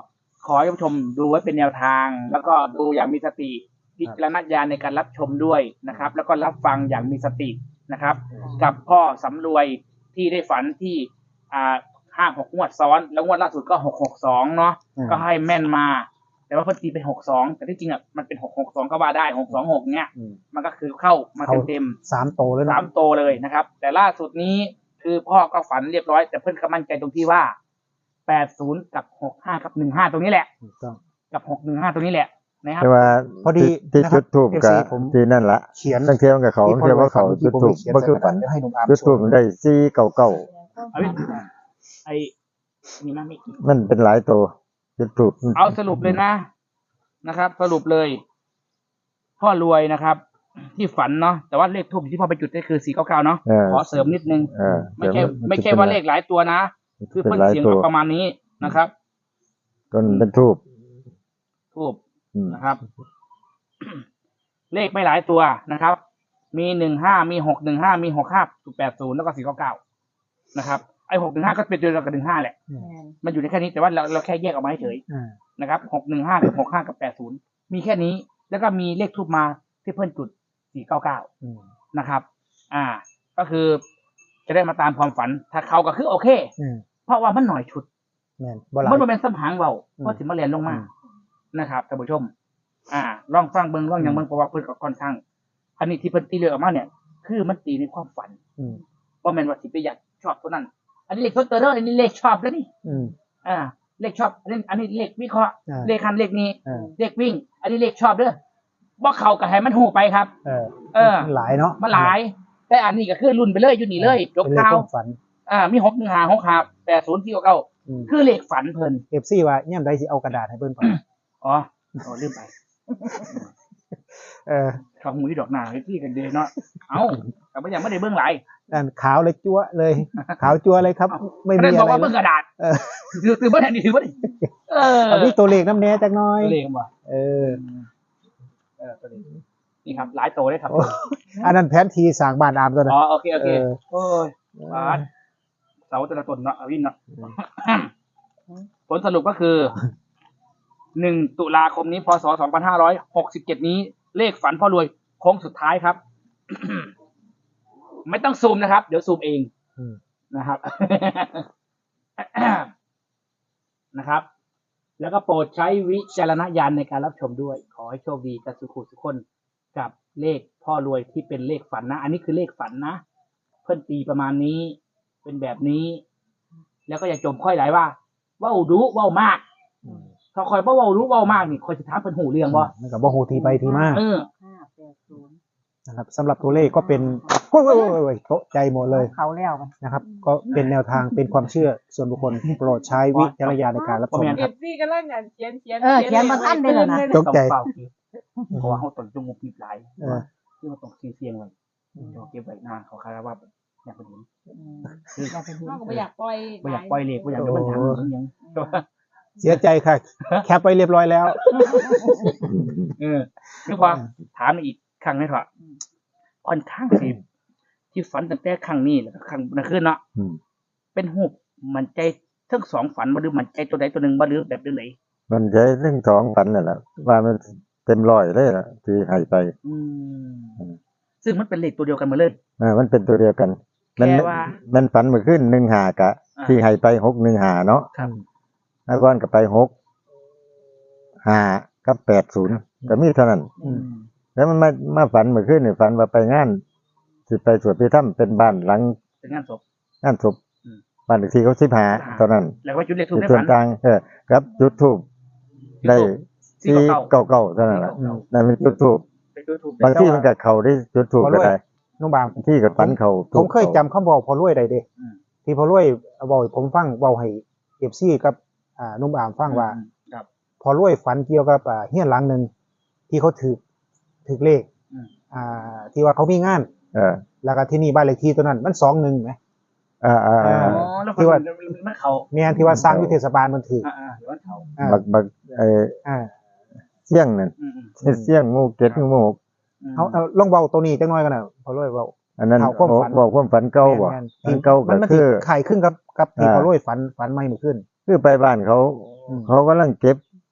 [SPEAKER 1] ขอให้ท่านผู้ชมดูไว้เป็นแนวทาง แล้วก็ดูอย่างมีสติพิจารณญาณในการรับชมด้วยนะครับ แล้วก็รับฟังอย่างมีสตินะครับ กับพ่อสำรวยที่ได้ฝันที่อ่าห้าหกงวดซ้อนแล้วงวดล่าสุดก็หกหกสองเนาะ
[SPEAKER 2] อืม
[SPEAKER 1] ก็ให้แม่นมา แต่ว่าเพิ่นตีเป็นหกสองแต่ที่จริงอ่ะมันเป็นหกหกสองก็ว่าได้หกสองหกเนี้ย
[SPEAKER 2] อืม
[SPEAKER 1] มันก็คือเข้ามา
[SPEAKER 2] เข้า
[SPEAKER 1] เต็ม
[SPEAKER 2] สามโตเลย
[SPEAKER 1] ๆ
[SPEAKER 2] นะ
[SPEAKER 1] สามโตวเลยนะครับ แต่ล่าสุดนี้คือพ่อก็ฝันเรียบร้อย แต่เพิ่นก็มั่นใจตรงที่ว่าแปดศูนย์กับหกห้ากับหนึ่งห้าตรงนี้แหละ
[SPEAKER 2] ถูกต้อง
[SPEAKER 1] กับหกหนึ่งห้าตรงนี้แหละนะครับ
[SPEAKER 4] แต่ว่า
[SPEAKER 2] พอดี
[SPEAKER 4] ที่
[SPEAKER 2] นะครับ
[SPEAKER 4] จุดทูบกับ
[SPEAKER 2] เอฟซีผม
[SPEAKER 4] ที่นั่นละ
[SPEAKER 2] เขียน
[SPEAKER 4] ตั้งเทียมกับเขา
[SPEAKER 2] ที่
[SPEAKER 4] เทียมว่าเขา
[SPEAKER 2] พอ
[SPEAKER 4] จุด
[SPEAKER 2] ผม
[SPEAKER 4] ทูบ
[SPEAKER 2] เขียน
[SPEAKER 4] บ่
[SPEAKER 2] ใส่
[SPEAKER 4] คือก
[SPEAKER 2] ระ
[SPEAKER 4] ฝั
[SPEAKER 2] ดาน
[SPEAKER 4] น
[SPEAKER 2] เดี๋ยวให้หนุ่มอาร์ม
[SPEAKER 4] จุด
[SPEAKER 2] โช
[SPEAKER 4] ทูบ
[SPEAKER 2] ว์
[SPEAKER 4] ได้สี่เก่าเก่า
[SPEAKER 1] เอาดิไอ้นี่มาไม่
[SPEAKER 4] มันเป็นหลายตัวจุดทูบ
[SPEAKER 1] เอาสรุปเลยนะนะครับ สรุปเลย พ่อรวยนะครับ ที่ฝันเนาะแต่ว่าเลขทูบที่พ่อไปจุดก็คือสี่เก้าเก้าเนาะ
[SPEAKER 4] เออ
[SPEAKER 1] ขอเสริมนิดนึง
[SPEAKER 4] เออ
[SPEAKER 1] ไม่ใช่
[SPEAKER 4] ดี๋ยว
[SPEAKER 1] ไม่ใช่ว่าเลขหลายตัวนะคือ
[SPEAKER 4] เป็
[SPEAKER 1] เพิ่
[SPEAKER 4] น
[SPEAKER 1] น
[SPEAKER 4] หลาย
[SPEAKER 1] เสียง
[SPEAKER 4] ตัว
[SPEAKER 1] ประมาณนี้นะครับ
[SPEAKER 4] ต้นเป็นทูบ
[SPEAKER 1] ทูบ
[SPEAKER 4] อืม
[SPEAKER 1] นะครับ เลขไม่หลายตัวนะครับ มีหนึ่งห้ามีหกหนึ่งห้ามีหกห้าแปดศูนย์แล้วก็สี่เก้าเก้านะครับไอ้หกหนึ่งห้าก็เป็นตัวเดียวกับหนึ่งห้าแหละ
[SPEAKER 3] แม่น
[SPEAKER 1] มันอยู่ในแค่นี้แต่ว่าเราเราแค่แยกออกมาเฉย
[SPEAKER 2] อ่า
[SPEAKER 1] นะครับหกหนึ่งห้ากับหกห้ากับแปดศูนย์มีแค่นี้ แล้วก็มีเลขทูบมาที่เพิ่นจุดสี่เก้าเก้า
[SPEAKER 2] อืม
[SPEAKER 1] นะครับ อ่า ก็คือจะได้มาตามความฝัน ถ้าเขาก็คือโอเค
[SPEAKER 2] อืม
[SPEAKER 1] เพราะว่ามันหน่อยชุด
[SPEAKER 2] แม่นบ่หลาย
[SPEAKER 1] มันบ่เป็นสัมผังเบา
[SPEAKER 2] อืม
[SPEAKER 1] เพราะถึงมาเรียนลงมา
[SPEAKER 2] อืม
[SPEAKER 1] นะครับท่านผู้ชม อ่า ลองฟังเบิ่งลองอย่างเบิ่งเพราะว่าเพิ่นก็ค่อนข้าง อันนี้ที่เพิ่นตีเลือกออกมาเนี่ย คือมันตีในความฝัน
[SPEAKER 2] อืม
[SPEAKER 1] ว่าแม่นว่าสิไปอยากชอบตัวนั้น อันนี้เลขเพิ่นเตอร์เด้ออันนี้เลขชอบแล้วนี่
[SPEAKER 2] อืม
[SPEAKER 1] อ่า เลขชอบ อันนี้อันนี้เลขวิเคราะห์
[SPEAKER 2] อ่า
[SPEAKER 1] เลขคันเลขนี้
[SPEAKER 2] อ่า
[SPEAKER 1] เลขวิ่ง อันนี้เลขชอบเด้อบ่เข้าก็ให้มันหูไปครับ
[SPEAKER 2] เออ
[SPEAKER 1] เออ
[SPEAKER 2] มันหลายเนาะ
[SPEAKER 1] มาหลาย แต่อันนี้ก็คือรุ่นไปเลยอยู่นี่เลยจบ
[SPEAKER 2] เป็นเลข
[SPEAKER 1] ข่าว
[SPEAKER 2] ความฝัน
[SPEAKER 1] อ่า มีหกหนึ่งห้าหกห้าแปดศูนย์ที่เก้า
[SPEAKER 2] อืม
[SPEAKER 1] คือเลขฝันเพิ่น
[SPEAKER 2] เอฟซีว่าย่ำใดสิเอากระดาษให้เบิ่นก่อน
[SPEAKER 1] อ๋ออ๋อลืมไป
[SPEAKER 2] เออ
[SPEAKER 1] ข้าวหมูที่ดอกหนาให้พี่กันเดยเนาะ เอ้าแต่ไม่ยังไม่ได้เบื้องหลาย
[SPEAKER 2] นั่นขาวเลยจั๊วเลย ขาวจั๊วเลยครับ ไม่
[SPEAKER 1] ไม่
[SPEAKER 2] มี
[SPEAKER 1] ได้บ
[SPEAKER 2] อะ
[SPEAKER 1] อก
[SPEAKER 2] ไร
[SPEAKER 1] ว่าเบื้องกระดาษ
[SPEAKER 2] เออ
[SPEAKER 1] ถือถือว่าแทนนี่ถือว่าดิเออ
[SPEAKER 2] เอามีตัวเลขน้ำแน่จักหน้อย
[SPEAKER 1] เลขว่ะ
[SPEAKER 2] เออ
[SPEAKER 1] เออตัวเลขนี่ครับ หลายโตได้ครับ
[SPEAKER 2] โอ้ อันนั้นแผนทีสร้างบ้านอามตัวนั้น
[SPEAKER 1] อ๋อโอเคโอเค
[SPEAKER 2] เออ
[SPEAKER 1] โอ้ยบาสเสาแต่ละตนเนาะเอาวินเนาะผลสรุปก็คือหนึ่งตุลาคมนี้พศสองพันห้าร้อยหกสิบเจ็ดนี้ เลขฝันพ่อรวยโค้งสุดท้ายครับ ไม่ต้องซูมนะครับ เดี๋ยวซูมเอง
[SPEAKER 2] อืม
[SPEAKER 1] นะครับ นะครับ แล้วก็โปรดใช้วิจารณญาณในการรับชมด้วย ขอให้โชคดีกับสุขุสุขคนกับเลขพ่อรวยที่เป็นเลขฝันนะ อันนี้คือเลขฝันนะ เพื่อนตีประมาณนี้ เป็นแบบนี้ แล้วก็อย่าจมค่อยไหลว่าเว้าดูเว้ามาก
[SPEAKER 2] อืม
[SPEAKER 1] ถ้าคอยบ่เว้ารู้เว้ามากนี่คอยจะถามเพิ่นหูเรื่องบ่
[SPEAKER 2] มันกับบ่ฮู้ทีไปทีมา
[SPEAKER 1] เออ
[SPEAKER 3] ห้าแปดศูนย์
[SPEAKER 2] นะครับสำหรับตัวเลขก็เป็นโอ้ยโอ้ยโอ้ยโอ้ยตกใจหมดเลย
[SPEAKER 3] เขาแล้วมัน
[SPEAKER 2] นะครับ ก็เป็นแนวทางเป็นความเชื่อส่วนบุคคลโปรดใช้วิจารณญาณในการรับชม
[SPEAKER 1] บ่แม่น
[SPEAKER 2] นะ
[SPEAKER 5] เอ
[SPEAKER 2] ครับ
[SPEAKER 5] ฟซีก็เล่นกันเขียนเขียน
[SPEAKER 3] เออเขียนมาทันได้แล้วนะ
[SPEAKER 2] ตกใจ
[SPEAKER 1] ต้องเป่าคิดเพราะว่าเขาต้องจมูกปิดหลาย
[SPEAKER 2] เออ
[SPEAKER 1] คือมันต้องซีเสียงไว้เดี๋ยวเก็บไว้นานเขาคาดว่าอยากเป็นเห็น
[SPEAKER 3] อยากเป็น
[SPEAKER 5] เขาก็ไม่อยากปล่อย
[SPEAKER 1] บ่อยากปล่อยเลขบ่อยากโดนมันทางมันยัง
[SPEAKER 2] เสียใจค่ะ แคปไปเรียบร้อยแล้ว
[SPEAKER 1] เออคือพอถามอีกครั้งหนึงเถอะค่อนข้างสิที่ฝันตั้งแต่ครั้งนี้แล้วก็ครั้งนั้นขึ้นเนาะ
[SPEAKER 4] อืม
[SPEAKER 1] เป็นหูบมันใจทั้งสองฝันบ่หรือมันใจตัวใดตัวหนึ่งบ่หรือแบบไหน
[SPEAKER 4] มันใช้เรื่องสองฝันนั่นแหละว่ามันเต็มร้อยเลยล่ะที่ให้ไป
[SPEAKER 1] อืมซึ่งมันเป็นเลขตัวเดียวกันหมาเลย
[SPEAKER 4] เออมันเป็นตัวเดียวกัน มัน
[SPEAKER 1] แค่ว่า
[SPEAKER 4] มันฝันเมื่อขึ้นหนึ่งหากะ
[SPEAKER 1] อ่า
[SPEAKER 4] ที่ให้ไปหกหนึ่งหาเนาะ
[SPEAKER 1] ครับ
[SPEAKER 4] แล้วก็ก็ไปหกหากับแปดศูนย์ก็มีเท่านั้น
[SPEAKER 2] อืม
[SPEAKER 4] แล้วมันมามาฝันเมื่อคืนนี่ฝันว่าไปงานสิไปสวดพิธรรมเป็นบ้านหลัง
[SPEAKER 1] เป็นงานศพ
[SPEAKER 4] งานศพ
[SPEAKER 1] อืม
[SPEAKER 4] บ้านเลขที่เขาสิบหาตอนนั้น
[SPEAKER 1] แล้วก็จุดเลขทูบ
[SPEAKER 4] จุด
[SPEAKER 1] ใน
[SPEAKER 4] ส่ว
[SPEAKER 1] ฝั
[SPEAKER 4] น
[SPEAKER 1] น
[SPEAKER 4] ต่างเออครับจุดทูบได้
[SPEAKER 1] ที่
[SPEAKER 4] ที่
[SPEAKER 1] เก่า
[SPEAKER 4] เก่าๆเท่านั้นแหละ
[SPEAKER 1] อืม
[SPEAKER 4] นั่นเป็นจุดทูบ
[SPEAKER 1] ไปจุดทูบบ
[SPEAKER 4] างที่มันกับเขาได้จุดทูบก็ได้
[SPEAKER 2] น้องบาง
[SPEAKER 4] บางที่กับฝันเขา
[SPEAKER 2] ผมเคยจำคำบอกพอรวยได้เด้
[SPEAKER 1] อืม
[SPEAKER 2] ที่พอรวยบอกให้ผมฟังเว้าให้เอฟซีกับอ่านุ่มอามฟังว่า
[SPEAKER 1] อืมครับ
[SPEAKER 2] พอรวยฝันเกี่ยวกับอ่าเฮียนหลังหนึ่งที่เขาถือถือเลข
[SPEAKER 1] อืม
[SPEAKER 2] อ่า ที่ว่าเขามีงาน
[SPEAKER 4] เออ
[SPEAKER 2] แล้วก็ที่นี่บ้านเลขที่ตัวนั้น มันสองหนึ่งไหม
[SPEAKER 4] อ่าอ่า
[SPEAKER 1] อ๋
[SPEAKER 4] อ่า
[SPEAKER 1] อแล้ว
[SPEAKER 2] ที่ว่า
[SPEAKER 1] มันเขา
[SPEAKER 2] เมียที่ว่าสร้างวิเทศบาลมันถือ
[SPEAKER 1] อ่าอ่าเดี๋ยวมันเขา
[SPEAKER 2] อ่า
[SPEAKER 4] บักบักเออ
[SPEAKER 2] อ่า
[SPEAKER 4] เสี่ยงนั่น
[SPEAKER 1] อืมอืม
[SPEAKER 4] เสี่ยงงูเก็ดงูหมูก
[SPEAKER 1] อืม
[SPEAKER 2] เอาเอาลองเบาตัวนี้จังน้อยกันนะพอรวยเบา
[SPEAKER 4] อันนั้น
[SPEAKER 2] เอาความฝัน
[SPEAKER 4] บอกความฝันเก่าบ่
[SPEAKER 2] แม่น
[SPEAKER 4] ฝันเก่า
[SPEAKER 2] มั
[SPEAKER 4] ก็
[SPEAKER 2] นมัน
[SPEAKER 4] คื
[SPEAKER 2] สิ
[SPEAKER 4] อ
[SPEAKER 2] ไข่ขึ้นกับกับที่
[SPEAKER 4] อ่า
[SPEAKER 2] พอรวยฝันฝันไม่เมื่อขึ้น
[SPEAKER 4] คือไปบ้านเขา
[SPEAKER 2] อืม
[SPEAKER 4] เขากำลังเก็บ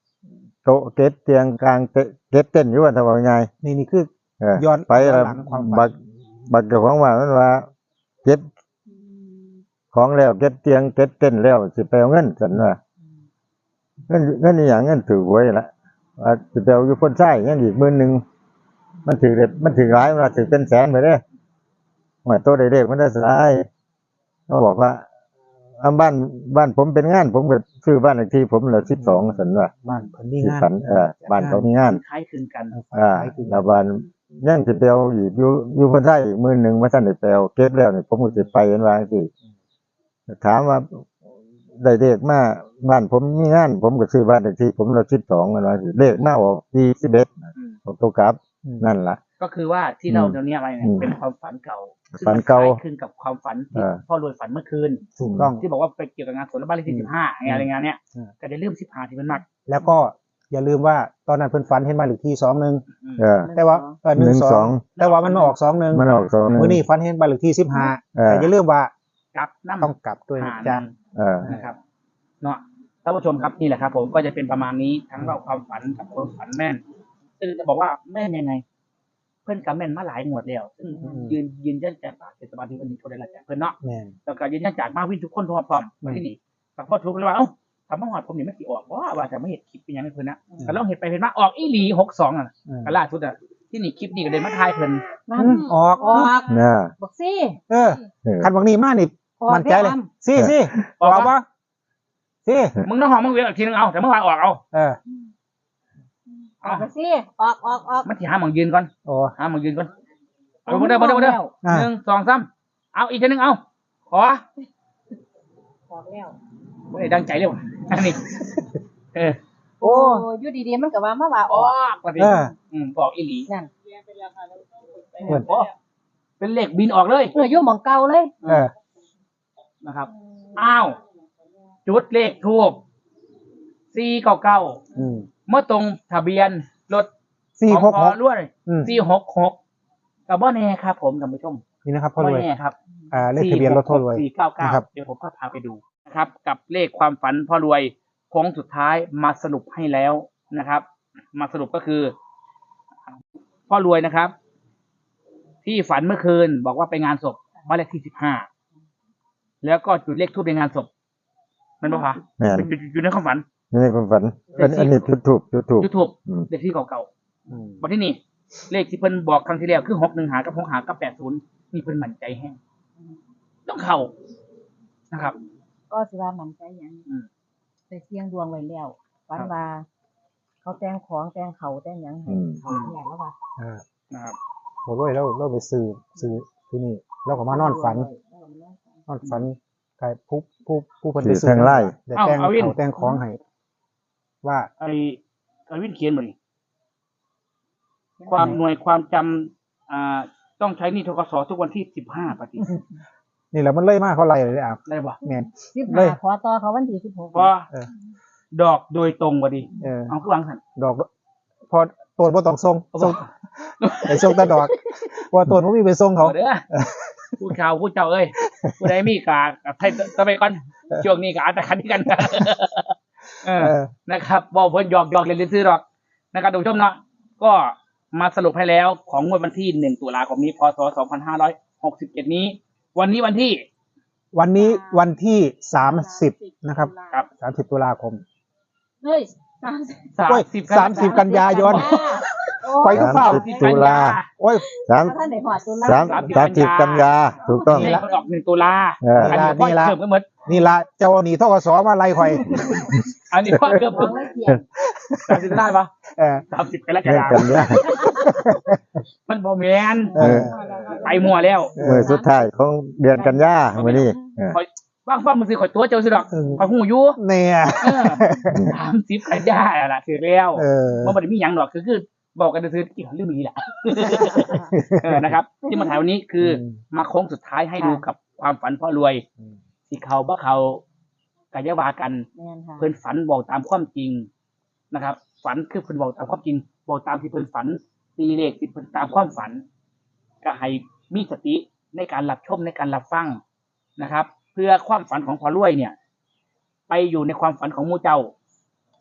[SPEAKER 4] โต๊ะเก็บเตียงกลางเตเก็บเต้นอยู่ว่าทำว่าไง
[SPEAKER 2] นี่นี่คือ
[SPEAKER 4] เออ
[SPEAKER 2] ย้อน
[SPEAKER 4] ไป
[SPEAKER 2] ย้อน
[SPEAKER 4] แล้ว
[SPEAKER 2] หลังความฝัน
[SPEAKER 4] บักบักเจ้าของว่ามันว่าเก็บของแล้วเก็บเตียงเก็บเต้นแล้วสิไปเอาเงินซั่นว่าเงินเงินอีหยังเงินถือหวยละว่าสิไปเอาอยู่พ้นใช้ยังอีกหมื่นหนึงมันถือเด็ดมันถือหลายมันว่าถือเป็นแสนไปเด้อว่าตัวเด็กๆมันได้สลายเขาบอกว่าอ่าบ้านบ้านผมเป็นงานผมก็ซื้อบ้านเลขที่ผมละสิบสองซั่นว่า
[SPEAKER 2] บ้านเพิ่นมี
[SPEAKER 4] สิ
[SPEAKER 2] งาน
[SPEAKER 4] สันเออบ้านเขามีงาน
[SPEAKER 1] คล้ายคลึงกัน
[SPEAKER 4] อ่าแล้วบ้านยังสิไปเอาอีกอยู่อยู่คนไทยอีกมื้อหนึงมาท่านได้ไปเอาเก็บแล้วนี่ผมก็สิไปเห็นว่าจังซี่ถามว่าได้เลขมาบ้านผมมีงาน ผมก็ซื้อบ้านเลขที่ผมละสิบสองมันว่าสิเลขมาออกยี่สิบเอ็ด
[SPEAKER 1] อืม
[SPEAKER 4] ออกตัวกลับ นั่นล่ะ
[SPEAKER 1] ก็คือว่าที่เรา
[SPEAKER 4] อืม
[SPEAKER 1] เดี๋ยวนี้อะไรเนี่ย
[SPEAKER 4] อืม
[SPEAKER 1] เป็นความฝันเก่า
[SPEAKER 4] ฝันเก่า
[SPEAKER 1] ซึ่งมันคล้ยคลึงกับความฝันที่
[SPEAKER 4] เออ
[SPEAKER 1] พ่อรวยฝันเมื่อคืน
[SPEAKER 2] ถูกต้อง
[SPEAKER 1] ที่บอกว่าไปเกี่ยวกับงานสวนและบ้านเลขที่สิบห้าอะไรงานเนี้ย
[SPEAKER 2] อืม
[SPEAKER 1] ก็ได้เริ่มสิบห้าที่มันมาก
[SPEAKER 2] แล้วก็อย่าลืมว่าตอนนั้นเพิ่นฝันเห็นบ้านเลขที่สองหนึ่ง
[SPEAKER 4] เออ
[SPEAKER 2] แต่ว่าเออหนึ่งส
[SPEAKER 4] หนึ่งส
[SPEAKER 2] อ
[SPEAKER 4] อง ง
[SPEAKER 2] แต่ว่ามันมาออกสองหนึ่ง
[SPEAKER 4] มันออกสองหนึง
[SPEAKER 2] มื้อนี้ฝันเห็นบ้านเลขที่สิบห้า
[SPEAKER 4] เออ
[SPEAKER 2] แต่อย่าลืมว่า
[SPEAKER 1] กับน้ำ
[SPEAKER 2] ต้องกลับด้วยนะ
[SPEAKER 1] หา
[SPEAKER 2] จ๊ะ
[SPEAKER 4] เออ
[SPEAKER 1] นะครับเนาะท่านผู้ชมครับนี่แหละครับ ผมก็จะเป็นประมาณนี้ทั้งเราความฝันกับความฝันแม่นซึ่งจะบอกว่าแม่นยังไง เพื่อนกับแม่นมาหลายงวดแล้วซึ่ง
[SPEAKER 2] อืม
[SPEAKER 1] ยืนยืนยันจากปากเทศบาลที่วันนี้โทรได้ละจากเพื่อนเนาะ
[SPEAKER 2] แม่น
[SPEAKER 1] แล้วก็ยืนยันจากมาวินทุกคนพร้อมๆมาที่นี่แต่พอทุกเลยว่าเอ้าทำมาหอดผมนี่ไม่กี่ออกว่าว่าจะไม่เห็นคลิปเป็นยังไงเพื่อนนะแต่ลองเห็นไปเห็นมาออกอีหลีหกสองอ่ะ
[SPEAKER 2] อืม
[SPEAKER 1] ก็ล่าสุดอ่ะที่นี่คลิปนี้ก็เลยมาทายเพิ่น
[SPEAKER 3] นั่น
[SPEAKER 2] ออก
[SPEAKER 3] ออก
[SPEAKER 4] น่ะ
[SPEAKER 3] บอกซี่
[SPEAKER 2] เออ
[SPEAKER 4] เออ
[SPEAKER 2] คันบางนี้มานี่
[SPEAKER 3] ออก
[SPEAKER 2] มั่นใจเลย
[SPEAKER 3] ได้อ
[SPEAKER 2] ซี่ซี่ออกปะซี่
[SPEAKER 1] มึงต้องห้องมึงเวียนอีกทีนึงเอาแต่เมื่อวานออกเอา
[SPEAKER 2] เออ
[SPEAKER 3] ออกไปซี่ออกออกออก
[SPEAKER 1] มันที่หาหมองยืนก่อน
[SPEAKER 2] โอ้
[SPEAKER 1] หาหมองยืนก่อนเอามาเด้อมาเด้อมาเด้อ
[SPEAKER 2] อ่า
[SPEAKER 1] หนึ่งสองสามเอาอีกทีนึงเอาขอ
[SPEAKER 3] ออกแล้ว
[SPEAKER 1] ไม่ได้ดังใจเร็วอันนี้เออ
[SPEAKER 2] โอ้
[SPEAKER 3] โอ้อยู่ดีๆมันก็ว่ามาว่าอ
[SPEAKER 1] อ
[SPEAKER 3] อ
[SPEAKER 1] อก กว่าดิ
[SPEAKER 2] เออ
[SPEAKER 1] อืมบอกอีหลี
[SPEAKER 3] นั่น
[SPEAKER 2] เพิ่น
[SPEAKER 1] โอ้เป็นเลขบินออกเลย
[SPEAKER 3] เอออยู่หมองเก่าเลย
[SPEAKER 2] เออ
[SPEAKER 1] นะครับ อ้าว จุดเลขทูบสี่เก้าเก้า
[SPEAKER 2] อืม
[SPEAKER 1] เมื่อตรงทะเบียนรถ
[SPEAKER 2] สี่
[SPEAKER 1] ของ
[SPEAKER 2] หก
[SPEAKER 1] พ
[SPEAKER 2] ห
[SPEAKER 1] อก ด้วย
[SPEAKER 2] อืม
[SPEAKER 1] สี่หกหกกับบ่แน่ครับ ผมท่านผู้ชม
[SPEAKER 2] นี่นะครับพ่อร
[SPEAKER 1] บ่
[SPEAKER 2] วย
[SPEAKER 1] แน่ครับ
[SPEAKER 2] อ่าเลขทะเบียนรถพ่อรวย
[SPEAKER 1] สี่เก้าเก้า
[SPEAKER 2] นะครับ
[SPEAKER 1] เดี๋ยวผมก็พาไปดูนะครับ กับเลขความฝันพ่อรวยโค้งสุดท้ายมาสรุปให้แล้วนะครับ มาสรุปก็คือ พ่อรวยนะครับ ที่ฝันเมื่อคืน บอกว่าไปงานศพบ้านเลขที่สิบห้าแล้วก็จุดเลขทูบในงานศพมันบอกค่ะ
[SPEAKER 4] แม่น
[SPEAKER 1] อยู่ในความฝัน
[SPEAKER 4] นี่ในความฝันอันอันนี้จุดถูกจุดถูก
[SPEAKER 1] จุดทูบ
[SPEAKER 4] อืม
[SPEAKER 1] เลขที่เก่า
[SPEAKER 2] อืม
[SPEAKER 1] ๆบอกที่นี่ เลขที่เพิ่นบอกครั้งที่แล้วคือหกหนึ่งหากับหกหากับแปดศูนย์นี่เพิ่นมั่นใจแห้งต้องเข้านะครับ
[SPEAKER 3] ก็สิว่ามันใจหยัง
[SPEAKER 1] อืม
[SPEAKER 3] ไปเสี่ยงดวงไว้แล้วฝันว่า เขาแต่งของแต่งเขาแต่งหยังให้
[SPEAKER 4] อืม
[SPEAKER 3] เขาเนี่ยแล้วว่า
[SPEAKER 2] อ่า
[SPEAKER 1] นะครับ
[SPEAKER 2] พ่อรวยเราเราไปซื้อซื้อที่นี่เราก็มานอนฝัน นอนฝันใครผู้ผู้ผู้เพิ่นไป
[SPEAKER 4] ซื้อแท่งไล่
[SPEAKER 2] เดี๋ยวแต่งเขาแต่งของให้ว่า
[SPEAKER 1] ไอ้ไอ้วินเขียนหมดนี่ความหน่วยความจำอ่าต้องใช้หนี่ทกสทุกวันที่สิบห้าปฏิ
[SPEAKER 2] นี่แหละมันเล่ยมากเขาไล่เลยอ่ะ
[SPEAKER 1] ได้ปะ
[SPEAKER 2] แม่น
[SPEAKER 3] สิบ
[SPEAKER 2] เล
[SPEAKER 3] ห้าย ขอต่อเขาวันที่สิบหก
[SPEAKER 1] เพราะ
[SPEAKER 2] เออ
[SPEAKER 1] ดอกโดยตรงกว่าดี
[SPEAKER 2] เออ
[SPEAKER 1] เอาคือวางสัน
[SPEAKER 2] ดอก พอตัวบ่ต้องส่งส่งไปส่งแต่ดอกเพราะว่าตัวบ่มีไปส่งเขา
[SPEAKER 1] เอาเด้อผู้ชาวผู้เจ้าเอ้ยผู้ใดมีกากับไทยตะไปก่อนช่วงนี้กอาจจะคันกัน เออ
[SPEAKER 2] เออ
[SPEAKER 1] นะครับบอกเพิ่นหยอกหยอกเล่นๆซื้อหรอกนะครับทุกผู้ชมเนาะก็มาสรุปให้แล้วของงวดวันที่หนึ่งตุลาคมนี้พศสองพันห้าร้อยหกสิบเจ็ดนี้ วันนี้วันที่
[SPEAKER 2] วันนี้วันที่สามสิบนะครับ
[SPEAKER 1] ครับ
[SPEAKER 2] สามสิบตุลาคม
[SPEAKER 3] เฮ้ยสามสิบ
[SPEAKER 1] สาม
[SPEAKER 2] โอ้ย
[SPEAKER 1] สิบ
[SPEAKER 2] สามสิบกันยายน
[SPEAKER 3] โอ้
[SPEAKER 2] ไปก็เฝ้า
[SPEAKER 4] สามสิบตุลา
[SPEAKER 2] โอ้ย
[SPEAKER 4] สาม
[SPEAKER 3] ท่านไหนหอดตุลา
[SPEAKER 4] สามสามสิบกันยาถูกต้อง
[SPEAKER 1] นี่มันออกหนึ่งตุลา
[SPEAKER 4] เออ
[SPEAKER 1] อันนี้พ่อเกือบก็เหมือน
[SPEAKER 2] นี่ละเจ้าหนีทกสมาไล่ข่อย
[SPEAKER 1] อันนี้พ่อเกือบ
[SPEAKER 3] เอาไว้เขียน
[SPEAKER 1] สามสิบได้ปะ
[SPEAKER 2] เออ
[SPEAKER 1] สามสิบกันแล้วกั
[SPEAKER 4] เรื่องกัน
[SPEAKER 1] น
[SPEAKER 4] ยา
[SPEAKER 1] มันบอแมน
[SPEAKER 2] เออ
[SPEAKER 1] ไปมัวแล้ว
[SPEAKER 4] มือสุดท้ายของเดือนกันยามื้อนี้เออ
[SPEAKER 1] คอยบ้างฟ้ามือซื้อข่อยตัวเจ้าสิดอก
[SPEAKER 2] เออ
[SPEAKER 1] ข่อยหูอยู่
[SPEAKER 2] เนี่ย
[SPEAKER 1] สามสิบกันยาอะล่ะถือแล้ว
[SPEAKER 2] เออ
[SPEAKER 1] มันไม่ได้มีหยังหรอกคือคือบอกกันซื้อกี่เรื่องนี้แหละ เออนะครับ ที่มาถ่ายวันนี้คืออ
[SPEAKER 2] ม
[SPEAKER 1] มาโค้งสุดท้ายให้ดูกับความฝันพ่อรวย
[SPEAKER 2] อืม
[SPEAKER 1] ที่เขาบ่เขากายาวากัน
[SPEAKER 3] แม่นค่ะ
[SPEAKER 1] เพิ่นฝันบอกตามความจริงนะครับ ฝันคือเพิ่นบอกตามความจริง บอกตามที่เพิ่นฝันตีเลขที่เพิ่นตามความฝัน ก็ให้มีสติในการรับชมในการรับฟังนะครับ เพื่อความฝันของพ่อรวยเนี่ย ไปอยู่ในความฝันของหมู่เจ้า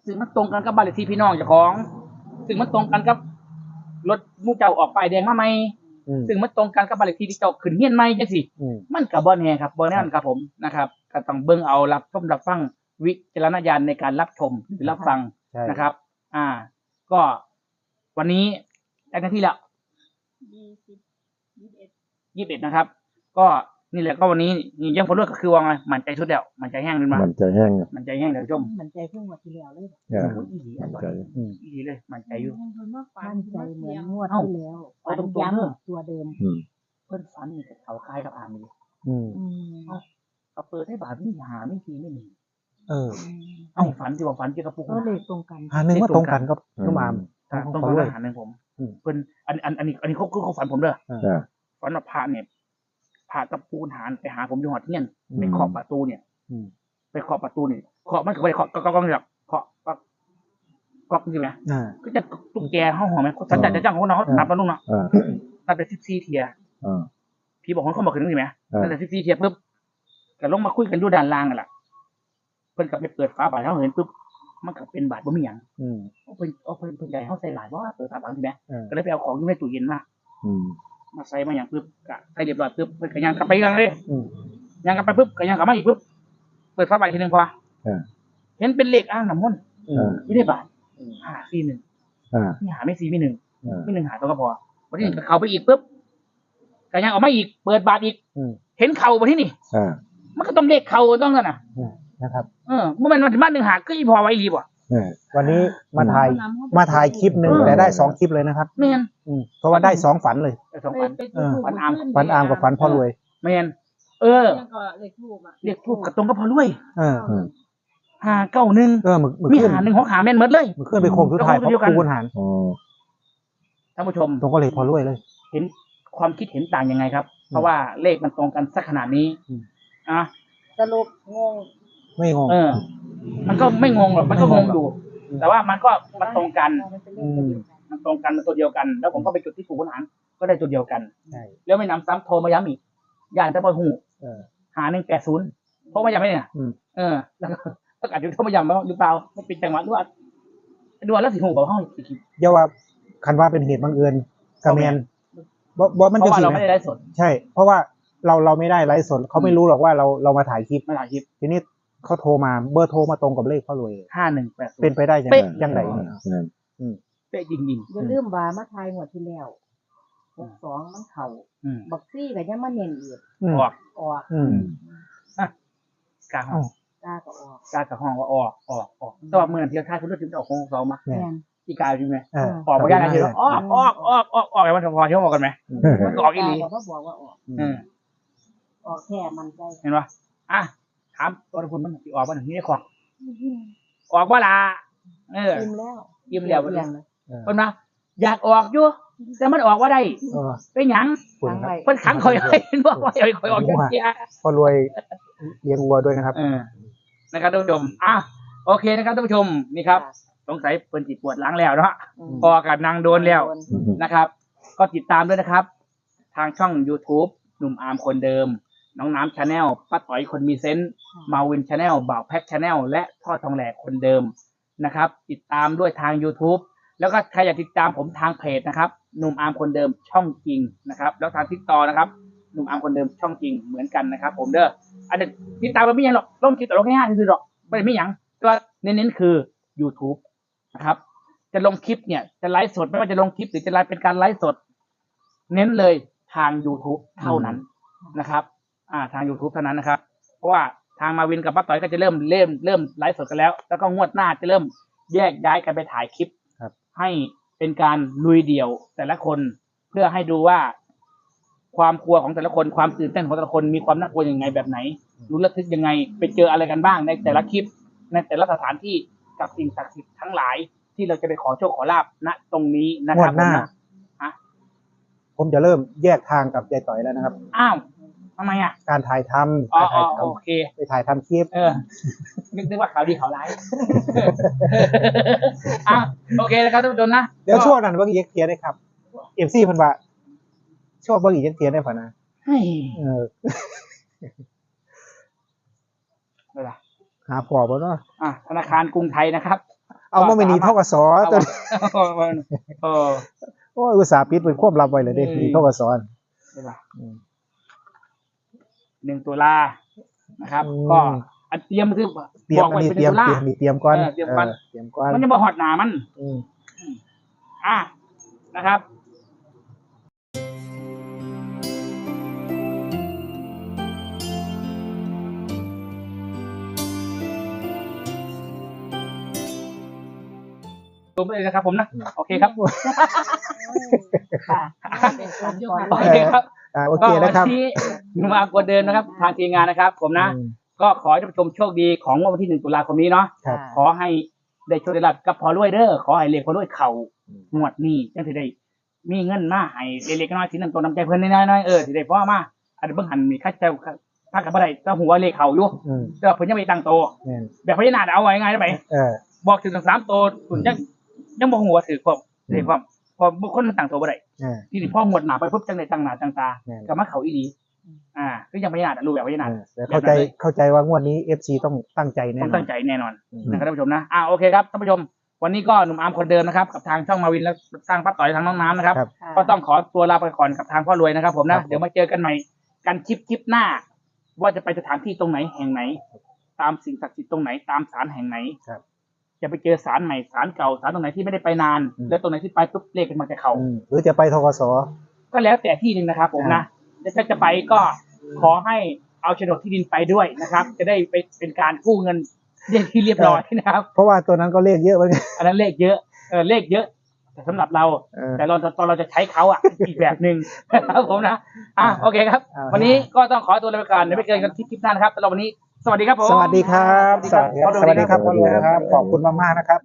[SPEAKER 1] ซึ่งมันตรงกันกับบ้านเลขที่พี่น้องเจ้าของ ซึ่งมันตรงกันกับรถหมู่เจ้าออกป้ายแดงมาใหม่
[SPEAKER 2] อืม
[SPEAKER 1] ซึ่งมันตรงกันกับบ้านเลขที่ที่เจ้าขึ้นเฮียนใหม่จังซี่
[SPEAKER 2] อืม
[SPEAKER 1] มันก็บ่แน่ครับบ่แน่นครับผมนะครับก็ต้องเบิ่งเอารับชมรับฟังวิจารณญาณในการรับชมหรือรับฟัง
[SPEAKER 2] ใช่
[SPEAKER 1] นะครับ อ่า ก็วันนี้ได้หน้าที่แล้ว
[SPEAKER 5] ยี่สิบยี่สิบเอ็ด
[SPEAKER 1] ยี่สิบเอ็ดนะครับ ก็นี่แหละก็วันนี้นี่ยังผลเลือกก็คือว่าไงมันใจสุดแล้วมันใจแห้งขึ้นมา
[SPEAKER 4] มันจะแห้ง
[SPEAKER 1] มันใจแห้งเดี๋ยวชม
[SPEAKER 3] มันใจเพิ่งวันที่แล้วเลย
[SPEAKER 4] เออ
[SPEAKER 1] โอ้ยอีหลีอ่ะ
[SPEAKER 4] ใจ
[SPEAKER 2] อืม
[SPEAKER 1] อีหลีเลย มันใจอยู่
[SPEAKER 5] ยังคนมาฝัน
[SPEAKER 3] มั่นใจเหมือนงวดที่แล้ว
[SPEAKER 1] เอา
[SPEAKER 3] ฝัน
[SPEAKER 1] ตรงๆเนอะ
[SPEAKER 3] ย้ำตัวเดิม
[SPEAKER 4] อืม
[SPEAKER 1] เพิ่นฝันนี่กับเขาคล้ายกับอามี
[SPEAKER 2] อืม
[SPEAKER 3] อืม
[SPEAKER 1] เอาเปิดให้บาทนี่หาไม่ทีไม่หนึ่ง
[SPEAKER 2] เออ
[SPEAKER 1] เอ้าฝันที่ว่าฝันเกี่ยวกับพวก
[SPEAKER 3] ก็เลยตรงกัน
[SPEAKER 2] หาหนึ่งว่าตรงกันก็นุ่มอาม
[SPEAKER 1] อ่า
[SPEAKER 2] ของ
[SPEAKER 1] ต้อง
[SPEAKER 2] เขา
[SPEAKER 1] ฝัน
[SPEAKER 2] ด้วย
[SPEAKER 1] อาหารหนึ่งผม
[SPEAKER 2] อืม
[SPEAKER 1] เพิ่นอันอันอันนี้อันนี้เขาคือเขาฝันผมเด้อ
[SPEAKER 4] อ่า
[SPEAKER 1] ฝันว่าพระเนี่ยพระกับปูนหารไปหาผมอยู่หอดเงี้ยน
[SPEAKER 2] อืม
[SPEAKER 1] ไปเคาะประตูเนี่ย
[SPEAKER 2] อืม
[SPEAKER 1] ไปเคาะประตูนี่เคาะมันก็ไม่ได้เคาะก็ก็ก็นี่หรอกเคาะก็ก็จริงไหม
[SPEAKER 2] อ่า
[SPEAKER 1] ก็จะตุ๊กแกห้องหอมไหมสัญญาจะจ้างของน้องเขานับแล้วลุงเนาะ
[SPEAKER 4] อ่า
[SPEAKER 1] นับเป็นสิบสี่เทีย
[SPEAKER 4] อ่า
[SPEAKER 1] พี่บอกคนเขาบอกขึ้นนี่ไหม
[SPEAKER 4] อ่านั่
[SPEAKER 1] นั่นแหละสิบสี่เทียปุ๊บก็ลงมาคุยกันอยู่ด้านล่างกันแหละเพิ่นก็ไปเปิดฝาบาทเขาเห็นปุ๊บมันก็เป็นบาทบ่มีหยัง
[SPEAKER 2] อืม
[SPEAKER 1] เอาเพิ่นเอาเพิ่นเพิ่นใหญ่เขาใส่หลายว่าเปิดฝาบาทใช่ไหม
[SPEAKER 2] เออ
[SPEAKER 1] ก็เลยไปเอาของอยู่ในตู้เย็นมา
[SPEAKER 4] อืม
[SPEAKER 1] มาใส่มาอย่างปุ๊บก็ใส่เรียบร้อยปุ๊บเพิ่นก็ยังกลับไปกันเลย
[SPEAKER 2] อืม
[SPEAKER 1] ยังกลับไปปุ๊บก็ยังกลับมาอีกปุ๊บเปิดฝาบาททีหนึงพอ
[SPEAKER 4] เออ
[SPEAKER 1] เห็นเป็นเลขอ่างน้ำมนต์
[SPEAKER 2] อืม
[SPEAKER 1] ไม่ได้บาทห้าสี่หนึ่ง
[SPEAKER 4] อ่า
[SPEAKER 1] นี่หาไม่สี่ไม่หนึ่ง
[SPEAKER 4] อ่า
[SPEAKER 1] ไม่หนึ่งหาตัวก็พอวันที่หนึ่งก็เข้าไปอีกปุ๊บก็ยังออกมาอีกเปิดบาทอีก
[SPEAKER 2] อืม
[SPEAKER 1] เห็นเข่าบนที่นี่
[SPEAKER 4] อ่า
[SPEAKER 1] มันก็ต้องเลขเข่าต้องนั่นน่ะ
[SPEAKER 2] นะครับ
[SPEAKER 1] เออเมื่อมันมาถึงบ้านหนึ่งหาก็อีพอไว้รีบว่ะ
[SPEAKER 4] เออ
[SPEAKER 2] วันนี้มาถ่ายมาถ่ายคลิปหนึ่งแต่ได้สองคลิปเลยนะครับ
[SPEAKER 1] แมน
[SPEAKER 2] อืมเพราะว่าได้สองฝันเลย
[SPEAKER 1] ไอ้สอง
[SPEAKER 5] ไป
[SPEAKER 1] พัน
[SPEAKER 5] ไปจุดธูป
[SPEAKER 1] ฝันอาม
[SPEAKER 5] ขึ้
[SPEAKER 2] ฝันอามกับฝันพ่อรวย
[SPEAKER 1] แมนเออ
[SPEAKER 5] ยังก็เลขทูบอ่ะ
[SPEAKER 1] เลขทูบกับตรงก็พอรวย
[SPEAKER 2] เออ
[SPEAKER 4] อืม
[SPEAKER 1] หาเก้าหนึ่ง
[SPEAKER 2] เออมึกมึก
[SPEAKER 1] มี
[SPEAKER 2] ขึ้น
[SPEAKER 1] หาหนึ่งของหาแม่นหมดเลย
[SPEAKER 2] มึกขึ้นไปโค้งสุดท้าย
[SPEAKER 1] แล้ว
[SPEAKER 2] เพ
[SPEAKER 1] ก็
[SPEAKER 2] ราะ
[SPEAKER 1] เดียวกัน
[SPEAKER 2] คูณหาร
[SPEAKER 4] อ๋อ
[SPEAKER 1] ท่านผู้ชม
[SPEAKER 2] ตรงก็เลยพอรวยเลย
[SPEAKER 1] เห็นความคิดเห็นต่างยังไงครับ เพราะว่าเลขมันตรงกันสักขนาดนี้
[SPEAKER 2] อืม
[SPEAKER 1] อ่ะ
[SPEAKER 3] สรุปงง
[SPEAKER 2] ไม่งง
[SPEAKER 1] เออ มันก็ไม่งงหรอกมันก็งงอยู่ แต่ว่ามันก็มันตรงกัน
[SPEAKER 3] มันเป็นเลขเดียวกัน
[SPEAKER 1] มันตรงกันมันตัวเดียวกัน แล้วผมก็ไปจุดที่ปู่ขุนหารก็ได้จุดเดียวกัน
[SPEAKER 2] ใช่
[SPEAKER 1] แล้วไม่นำซ้ำโทรมาย้ำอีกอย่างตะบอยหู
[SPEAKER 2] เออ
[SPEAKER 1] หาหนึ่งแปดศูนย์โทรมาย้ำไหมเนี่ย
[SPEAKER 2] อืม
[SPEAKER 1] เออแล้วก็ต้องอาจจะโทรมาย้ำแล้วหรือเปล่าไม่เป็นจังหวะหรือว่าดูแล้วสิหูบอกห้องอีกที
[SPEAKER 2] อย่าว่าคันว่าเป็นเหตุบังเอิญกระเมนบ่บ่มัน
[SPEAKER 1] เพ
[SPEAKER 2] จะ
[SPEAKER 1] ราะว่า
[SPEAKER 2] สิ
[SPEAKER 1] เรา
[SPEAKER 2] ไหม
[SPEAKER 1] ไม่ได้ไลฟ์สด
[SPEAKER 2] ใช่ เพราะว่าเราเราไม่ได้ไลฟ์สดเขาไม่รู้หรอกว่าเราเรามาถ่ายคลิป
[SPEAKER 1] ไม่ถ่ายคลิป
[SPEAKER 2] ทีนี้เขาโทรมาเบอร์โทรมาตรงกับเลขพ่อรวยเลย
[SPEAKER 1] ห้าหนึ่งแปดศูน
[SPEAKER 2] เป็น
[SPEAKER 1] ย์
[SPEAKER 2] ไปได้ยังไง
[SPEAKER 1] เป๊ะ
[SPEAKER 2] ยังไง
[SPEAKER 4] นั่น
[SPEAKER 1] เป๊ะจริงจริง
[SPEAKER 3] อย่าลืมว่ามาทายงวดที่แล้วหกสองมันเข่า
[SPEAKER 1] ๆอืม
[SPEAKER 3] บักซี่ก็ยังมาเน้นอีก
[SPEAKER 2] อืม
[SPEAKER 1] ออก
[SPEAKER 3] ออก
[SPEAKER 2] อืม
[SPEAKER 1] กลางห้อง
[SPEAKER 3] กล้าก็ออก
[SPEAKER 1] กลางกับห้องว่าออกออกออกแต่ว่าเมื่อเทียบท่าคุณรู้สึกจะออกของสองมา
[SPEAKER 2] เนี่ย
[SPEAKER 3] แม่น
[SPEAKER 1] ที่กลายจริงไหม
[SPEAKER 2] เออ
[SPEAKER 1] ออกมาได้นะทีว่าออกออกออกออกออกไอ้มันพอที่เขาบอกกันไหม มันก็ออกอีหลี
[SPEAKER 3] กล้าก็บอกว่าออก
[SPEAKER 1] อืม
[SPEAKER 3] ออกแค่มันใจ
[SPEAKER 1] เห็นปะอ่ะถามตัวคุณมันสิออกมาหนึ่งนี่ขอออกว่าล่ะเออ
[SPEAKER 3] ยิ้มแล้ว
[SPEAKER 1] ยิ้มแล้ว
[SPEAKER 3] เอียงเลย
[SPEAKER 1] คนมาอยากออกอยู่แต่มันออกว่าได้
[SPEAKER 2] เออ
[SPEAKER 1] เป็นหยัง
[SPEAKER 2] คุณ
[SPEAKER 3] ทาง
[SPEAKER 2] ค
[SPEAKER 3] ไว้
[SPEAKER 2] รับ
[SPEAKER 1] เพิ่นขังคอยไว้เห็นบอกว่าอย่าให้คอยออกจากเกียร์
[SPEAKER 2] พ่อรวยเลี้ยงวัวด้วยนะครับ
[SPEAKER 1] เออนะครับท่านผู้ชมอ่ะโอเคนะครับท่านผู้ชมนี่ครับ สงสัยเพิ่นจิตปวดหล้างแล้วเนาะ
[SPEAKER 3] ม
[SPEAKER 1] พอกับนางโดนแล้ว นะครับ ก็ติดตามด้วยนะครับ ทางช่อง YouTube หนุ่มอาร์มคนเดิม น้องน้ำชาแนลป้าต่อยคนมีเซนต์มาวินชาแนลบ่าวแพ็กชาแนลและทอดทองแหลกคนเดิมนะครับ ติดตามด้วยทาง YouTube แล้วก็ใครอยากติดตามผมทางเพจนะครับหนุ่มอาร์มคนเดิมช่องจริงนะครับ แล้วทางทิกตอนะครับหนุ่มอาร์มคนเดิมช่องจริงเหมือนกันนะครับ ผมเด้ออันนี้ติดตามเราไม่ยังหรอกลงคลิปแต่ลงแค่ห้าทีคือหรอกไม่ได้ไม่ยังก็เน้นๆคือ YouTube นะครับ จะลงคลิปเนี่ยจะไลฟ์สดไม่ว่าจะลงคลิปหรือจะไลฟ์เป็นการไลฟ์สด เน้นเลยทาง YouTube เท่านั้นนะครับ อ่าทาง YouTube เท่านั้นนะครับ เพราะว่าทางมาวินกับป้าต่อยก็จะเริ่มเริ่มเริ่มไลฟ์สดกันแล้ว แล้วก็งวดหน้าจะเริ่มแยกย้ายกันไปถ่ายคลิป
[SPEAKER 2] ครับ
[SPEAKER 1] ให้เป็นการลุยเดี่ยวแต่ละคนเพื่อให้ดูว่า ความกลัวของแต่ละคนความตื่นเต้นของแต่ละคนมีความน่ากลัวยังไงแบบไหนรู้ระทึกยังไงไปเจออะไรกันบ้างในแต่ละคลิป ในแต่ละสถานที่กับสิ่งศักดิ์สิทธิ์ทั้งหลาย ที่เราจะไปขอโชคขอลาบณตรงนี้นะ
[SPEAKER 2] ง
[SPEAKER 1] คว รั
[SPEAKER 2] ด
[SPEAKER 1] บ
[SPEAKER 2] หน้า
[SPEAKER 1] ผมนะ
[SPEAKER 2] ผมจะเริ่มแยกทางกับยายต่อยแล้วนะครับ
[SPEAKER 1] อ้าวทำไมอ่ะ
[SPEAKER 2] การถ่ายทำ
[SPEAKER 1] อ๋อ
[SPEAKER 2] การ
[SPEAKER 1] อ๋
[SPEAKER 2] ถ่า
[SPEAKER 1] อย
[SPEAKER 2] ท
[SPEAKER 1] โอเค
[SPEAKER 2] ำไปถ่ายทำคลิป
[SPEAKER 1] เออนึกนึกว่าข่าวดีข่าวร้าย อ่ะโอเคนะครับท่านผู้ชมนะ
[SPEAKER 2] เดี๋ยวช่วงนั้นเบิ่งอีกเทียได้ครับเอฟซีเพิ่นว่าช่วงเบิ่งอีกเทียได้ป่ะนะ
[SPEAKER 1] เฮ้ย
[SPEAKER 2] เออ
[SPEAKER 1] อะไรล่ะ
[SPEAKER 2] หาพอบ่เนาะ
[SPEAKER 1] อ่ะธนาคารกรุงไทยนะครับ
[SPEAKER 2] เอามาไม่หนีเท่ากับสอ
[SPEAKER 1] เอา
[SPEAKER 2] ตัว
[SPEAKER 1] เออ
[SPEAKER 2] โอ้ยอุตส่าห์ปิดเป็นควบลับไว้เลยเด้
[SPEAKER 1] อืม
[SPEAKER 2] หนีเท่ากับสอน
[SPEAKER 1] ใช่ป่ะ
[SPEAKER 2] อืม
[SPEAKER 1] หนึ่งตุลานะครับ
[SPEAKER 2] อืม
[SPEAKER 1] ก็อันเตรียมคือ
[SPEAKER 2] เตรียม
[SPEAKER 1] บอก
[SPEAKER 2] อัน
[SPEAKER 1] ไว้
[SPEAKER 2] นี้
[SPEAKER 1] เป็น
[SPEAKER 2] เตรียม
[SPEAKER 1] ตุลา
[SPEAKER 2] เตรียมนี่เตรียมก่อน
[SPEAKER 1] เออเตรียมก่อน
[SPEAKER 2] เเตรียมก่อน
[SPEAKER 1] มันยังบ่ฮอดหนามัน
[SPEAKER 2] อืม
[SPEAKER 1] อ่ะนะครับ รวมไปเลยนะครับผมนะ โอเคครับ
[SPEAKER 3] ค่ะ
[SPEAKER 5] เป็นความยก
[SPEAKER 1] โอเคครับ
[SPEAKER 2] อ่าโอเคนะครับ
[SPEAKER 1] ก็วันนี้หนุ่มอามกวนเดินนะครับ ทางทีมงานนะครับ ผมนะ
[SPEAKER 2] อืม
[SPEAKER 1] ก็ขอให้ท่านผู้ชมโชคดีของงวดวันที่หนึ่งตุลาคมนี้เนาะ
[SPEAKER 2] ครับ
[SPEAKER 1] ขอให้ได้โชคได้ลาภกับพอรวยเด้อขอให้เลขพอรวยเข่างวดนี้จังสิได้มีเงินมาให้เล็กๆน้อยๆสินำตัวน้ำใจเพิ่นน้อยๆเออสิได้พอมาอันนี้เบิ่งหันมีค่าใช้จ่ายถ้ากับบ่ได้ก็หัวเลขเข่าอยู่
[SPEAKER 2] อืม
[SPEAKER 1] แต่ว่าเพิ่นยังไม่ตั้งโต
[SPEAKER 2] แม่น
[SPEAKER 1] แบบพญานาคเอาไว้ง่ายได้ไหม
[SPEAKER 2] เออ
[SPEAKER 1] บอกถึงสามโตคุณยังยังบ่หัวถือความถือความพอบุคคลมันตั้งโตบ่ได้
[SPEAKER 2] เออ
[SPEAKER 1] ที่นี่พ่อหมวดหนาไปปุ๊บจังไดตั้งหน้าตั้งตา
[SPEAKER 2] แม่น
[SPEAKER 1] ก็มาเขาอีหลีอ่าคือยังพญานาครู้แบบพญานาค
[SPEAKER 2] เออแต่เข้าใจเข้าใจว่างวดนี้ เอฟ ซี ต้องตั้งใจแน่
[SPEAKER 1] ต้อน ง
[SPEAKER 2] อ
[SPEAKER 1] ตั้
[SPEAKER 2] น
[SPEAKER 1] งใจแน่นอน
[SPEAKER 2] อืม
[SPEAKER 1] นะครับท่านผู้ชมนะอ่าโอเคครับท่านผู้ชม วันนี้ก็หนุ่มอาร์มคนเดิมนะครับกับทางช่องมาวินและสร้างป้าต่อยทางน้องน้ำนะครับ
[SPEAKER 2] ครับ
[SPEAKER 1] ก็ต้องขอตัวลาไปก่อนกับทางพ่อรวยนะครับผม
[SPEAKER 2] ครั
[SPEAKER 1] นะ
[SPEAKER 2] บ
[SPEAKER 1] เดี๋ยวมาเจอกันใหม่กันคลิปคลิปหน้า ว่าจะไปสถานที่ตรงไหนแห่งไหน ตามสิ่งศักดิ์สิทธิ์ตรงไหนตามศาลแห่งไหน
[SPEAKER 2] ครับ
[SPEAKER 1] จะไปเจอศาลใหม่ศาลเก่าศาลตรงไหนที่ไม่ได้ไปนาน
[SPEAKER 2] อืม
[SPEAKER 1] แล้วตรงไหนที่ไปปุ๊บเลขมันจะเข้า
[SPEAKER 2] อืมหรือจะไปทกส
[SPEAKER 1] ก็แล้วแต่ที่หนึ่งนะครับ ผมนะถ้าจะไปก็ขอให้เอาโฉนดที่ดินไปด้วยนะครับ จะได้ไปเป็นการกู้เงินเรียกที่เรียบร้อยนะครับ
[SPEAKER 2] เพราะว่าตัวนั้นก็เลขเยอะเหมือนกัน
[SPEAKER 1] อันนั้นเลขเยอะเออเลขเยอะ แต่สำหรับเรา
[SPEAKER 2] เออ
[SPEAKER 1] แต่เราตอนเราจะใช้เขาอ่ะ อีกแบบหนึ่งนะครับผมนะอ่ะโอเคครับ
[SPEAKER 2] อ่า
[SPEAKER 1] วันนี้ก็ต้องขอตัวลาไปก่อนเดี๋ยวไปเจอกันคลิปหน้านะครับสำหรับวันนี้สวัสดีครับผม
[SPEAKER 2] สวัสดีครับ
[SPEAKER 1] สวัสดีครับ
[SPEAKER 2] สวัสดีครับพ่อรวยนะครับ ขอบคุณมากๆนะครับ